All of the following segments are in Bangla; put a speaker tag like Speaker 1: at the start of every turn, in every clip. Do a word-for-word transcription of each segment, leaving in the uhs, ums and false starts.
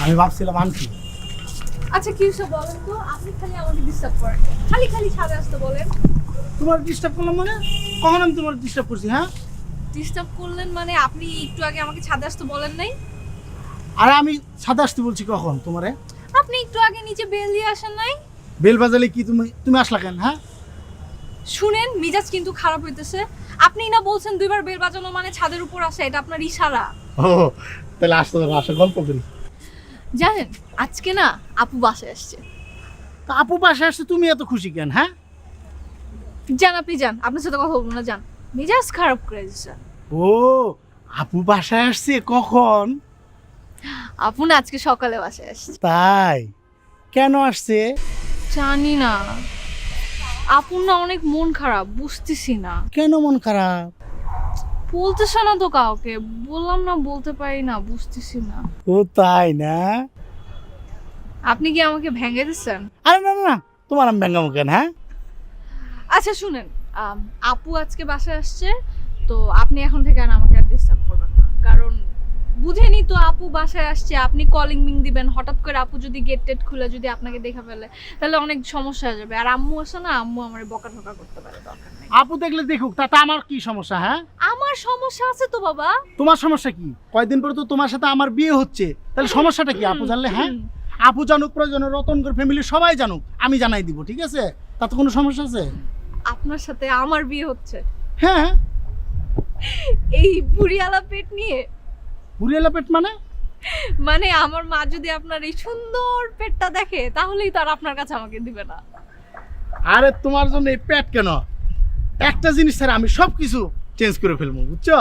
Speaker 1: আমি ভাবছিলাম আনছি।
Speaker 2: আচ্ছা কি সব বলেন তো, আপনি খালি আমাকে ডিস্টার্ব করেন, খালি খালি ছাদে আসতে বলেন।
Speaker 1: তোমার ডিস্টার্ব করলাম মানে? কখন আমি তোমার ডিস্টার্ব করছি? হ্যাঁ,
Speaker 2: ডিস্টার্ব করলেন মানে আপনি একটু আগে আমাকে ছাদে আসতে বলেন নাই?
Speaker 1: আরে আমি ছাদে আসতে বলছি কখন তোমারে?
Speaker 2: আপনি একটু আগে নিচে বেল দিয়ে আসেন নাই?
Speaker 1: বেল বাজালে কি তুমি তুমি আসলা কেন? হ্যাঁ,
Speaker 2: শুনেন, মিজাজ কিন্তু খারাপ হইতেছে। আপনি না বলছেন দুইবার বেল বাজানো মানে ছাদের উপর আসা, এটা আপনার ইশারা।
Speaker 1: ও তাহলে আসতে হবে, আসা গল্প করি।
Speaker 2: জানেন আজকে না আপু বাসায় আসছে।
Speaker 1: তা আপু পাশে আসছে, তুমি এত খুশি কেন? হ্যাঁ,
Speaker 2: যান আপনি যান, আপনার সাথে কথা বলবো না, যান। মিজাজ খারাপ করে দিচ্ছে।
Speaker 1: ও আপু বাসায় আসছে কখন?
Speaker 2: আপু না আজকে সকালে বাসায় আসছে।
Speaker 1: তাই? কেন আসছে?
Speaker 2: জানি না, আপুর না অনেক মন খারাপ, বুঝতেছি না।
Speaker 1: কেন মন খারাপ?
Speaker 2: বলতেছে না তো কাউকে, বললাম না বলতে পারি না, বুঝতেছি না।
Speaker 1: ও তাই না?
Speaker 2: আপনি কি আমাকে ভেঙে দিচ্ছেন?
Speaker 1: আরে না না না, তোমার আমি ব্যাঙ্গামো কেন? হ্যাঁ,
Speaker 2: আচ্ছা শুনেন, আম, আপু আজকে বাসায় আসছে, তো আপনি এখন থেকে আর আমাকে আর ডিস্টার্ব করবেন না, কারণ বুঝেনি তো আপু বাসায় আসছে, আপনি কলিং মিং দিবেন, হঠাৎ করে আপু যদি গেট টেট খুলে যদি আপনাকে দেখা ফেলে তাহলে অনেক সমস্যা হয়ে যাবে। আর আম্মু আসে না, আম্মু আমার বকা ঠকা করতে পারে, দরকার নেই।
Speaker 1: আপু দেখলে দেখুক, তাতে আমার কি সমস্যা? হ্যাঁ,
Speaker 2: আমার সমস্যা আছে তো বাবা।
Speaker 1: তোমার সমস্যা কি? কয়দিন পরে তো তোমার সাথে আমার বিয়ে হচ্ছে, তাহলে সমস্যাটা কি আপু জানলে? হ্যাঁ, আপু জানুক, প্রয়োজনে রতনগর ফ্যামিলি সবাই জানুক, আমি জানাই দিব, ঠিক আছে? তাতে কোনো সমস্যা আছে?
Speaker 2: আপনার সাথে আমার বিয়ে হচ্ছে
Speaker 1: হ্যাঁ,
Speaker 2: এই বুড়িয়ালা পেট নিয়ে?
Speaker 1: বুড়িয়ালা পেট মানে?
Speaker 2: মানে আমার মা যদি আপনার এই সুন্দর পেটটা দেখে তাহলেই তো আর আপনার কাছে আমাকে দিবে না।
Speaker 1: আরে তোমার জন্য এই পেট কেন? একটা জিনিস ছাড়া আমি সব কিছু চেঞ্জ করে ফেলবো, বুঝছো?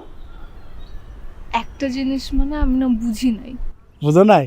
Speaker 2: একটা জিনিস মানে আমি না বুঝি নাই।
Speaker 1: বুঝো নাই?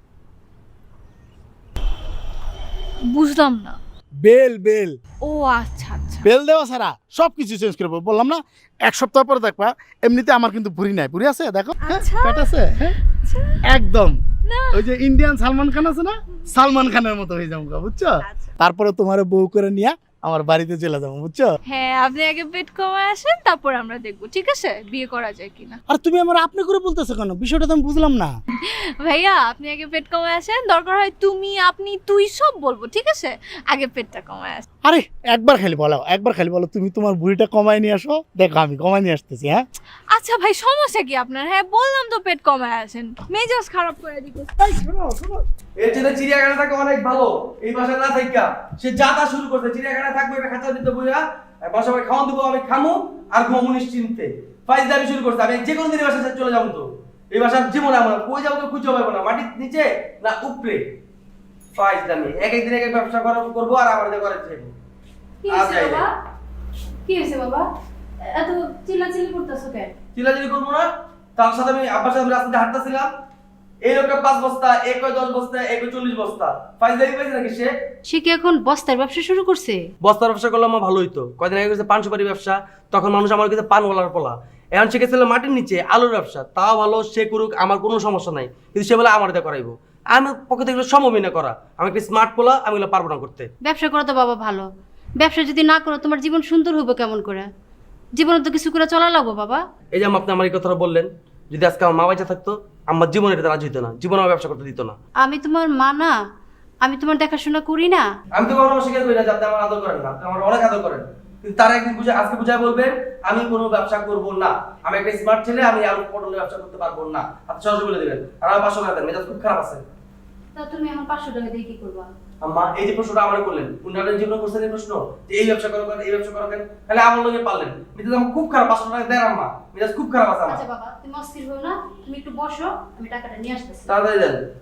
Speaker 2: বুঝলাম না।
Speaker 1: বেল বেল
Speaker 2: ও আচ্ছা আচ্ছা।
Speaker 1: বেল দেওয়া ছাড়া সব কিছু চেঞ্জ করে ফেলবো। বললাম না, এক সপ্তাহ পরে দেখবা এমনিতে আমার কিন্তু ভুঁড়ি নাই, ভুঁড়ি আছে দেখো, হ্যাঁ,
Speaker 2: আচ্ছা।
Speaker 1: পেট আছে, হ্যাঁ,
Speaker 2: আচ্ছা।
Speaker 1: একদম
Speaker 2: না।
Speaker 1: ওই যে ইন্ডিয়ান সালমান খান আছে না, সালমান খানের মতো হয়ে যাবো, বুঝছো?
Speaker 2: আচ্ছা।
Speaker 1: তারপরে তোমার বউ করে নিয়ে আমার বাড়িতে চলে যাবো, বুঝছো?
Speaker 2: হ্যাঁ আপনি আগে পেট কমায় আসেন, তারপর আমরা দেখবো ঠিক আছে বিয়ে করা যায় কিনা।
Speaker 1: আর তুমি আমার আপনি করে বলতেছো কেন? বিষয়টা তো আমি বুঝলাম না।
Speaker 2: ভাইয়া আপনি আগে পেট কমায় আসেন, দরকার হয় তুমি আপনি তুই সব বলবো, ঠিক আছে? আগে পেটটা কমায় আসেন।
Speaker 1: আরে একবার খালি বলো, একবার খালি বলো তুমি তোমার বুড়িটা কমায় নিয়ে আসো, দেখো আমি কমায় নিয়ে আসতেছি। হ্যাঁ,
Speaker 2: আচ্ছা ভাই সমস্যা কি আপনার? হ্যাঁ বললাম তো পেট কমায় আসেন, মেজাজ খারাপ করে দিতে।
Speaker 1: এই শোনো শোনো,
Speaker 3: এর জন্য চিড়িয়াখানা থাকে অনেক ভালো, এই বাসায় না থাকা সে যাতা শুরু করছে। চিড়িয়াখানা থাকবে এটা খাঁচা দিতে বইয়া বাসা ভাই খাওয়ান দেবো, আমি খামু আর ঘুমু নিশ্চিন্তে। ফাইজ দাবি শুরু করছে, আমি যে কোনো দিনের বাসায় চলে যাবো। তো এই বাসার জীবনে আমার কই যাবো তো খুঁজে পাবো না, মাটির নিচে না উপরে। ফাইজ দামি এক একদিন এক এক ব্যবসা করবো আর আমার দিয়ে করে যাবো।
Speaker 4: কি হয়েছে বাবা? কি হয়েছে বাবা? এত চিল্লাচিল্লি করতেছো কেন?
Speaker 3: চিল্লাচিল্লি করবো না, তার সাথে আমি আব্বার সাথে রাস্তাতে হাঁটতেছিলাম, এই লোকটা পাঁচ বস্তা, এক কয় দশ বস্তা, এক কয় চল্লিশ বস্তা ফাইজ দাবি পাইছে নাকি সে?
Speaker 4: সে কি এখন বস্তার ব্যবসা শুরু করছে?
Speaker 3: বস্তার ব্যবসা করলে আমার ভালো হইতো। কয়দিন আগে করেছে পান সুপারি ব্যবসা, তখন মানুষ আমার কাছে পান গলার পোলা। এখন শিখেছিল মাটির নিচে আলুর ব্যবসা, তাও ভালো, সে করুক, আমার কোনো সমস্যা নাই। কিন্তু সে বলে আমার দিয়ে করাইবো, আমার পক্ষে থেকে এগুলো সম্ভবই না করা। আমি একটা স্মার্ট পোলা, আমি এগুলো পারবো না করতে।
Speaker 4: ব্যবসা করো তো বাবা ভালো, ব্যবসা যদি না করো তোমার জীবন সুন্দর হবে কেমন করে? জীবনে তো কিছু করে চলা লাগবো বাবা।
Speaker 3: এই যে আপনি আমার এই কথাটা বললেন, যদি আজকে আমার মা বাচ্চা থাকতো আমার জীবনে এটা রাজি হইতো না, জীবনে আমার ব্যবসা করতে দিত না।
Speaker 4: আমি তোমার মা না, আমি তোমার দেখাশোনা করি না?
Speaker 3: আমি তো কখনো অস্বীকার করি না যে আপনি আমার আদর করেন না, আপনি আমার অনেক আদর করেন। কিন্তু তারা একদিন বুঝে, আজকে বুঝায় বলবেন আমি কোনো ব্যবসা করবো না, আমি একটা স্মার্ট ছেলে, আমি আলু পটলের ব্যবসা করতে পারবো না। আপনি সরাসরি বলে দেবেন, আর আমার পাঁচশো টাকা দেন, মেজাজ খুব খারাপ আছে।
Speaker 4: তা তুমি এখন পাঁচশো টাকা দিয়ে কি করবা?
Speaker 3: আম্মা এই যে প্রশ্নটা আমার করলেন, উন্নয়নের জীবনে করছেন এই প্রশ্ন যে এই ব্যবসা করো কেন, এই ব্যবসা করো কেন, তাহলে আমার লগে পারলেন। মেজাজ আমার খুব খারাপ, পাঁচশো টাকা দেন আম্মা, মেজাজ খুব খারাপ আছে আমার।
Speaker 4: আচ্ছা বাবা তুমি অস্থির হও না, তুমি একটু বসো, আমি টাকাটা নিয়ে আসতেছি।
Speaker 3: তাড়াতাড়ি দেন।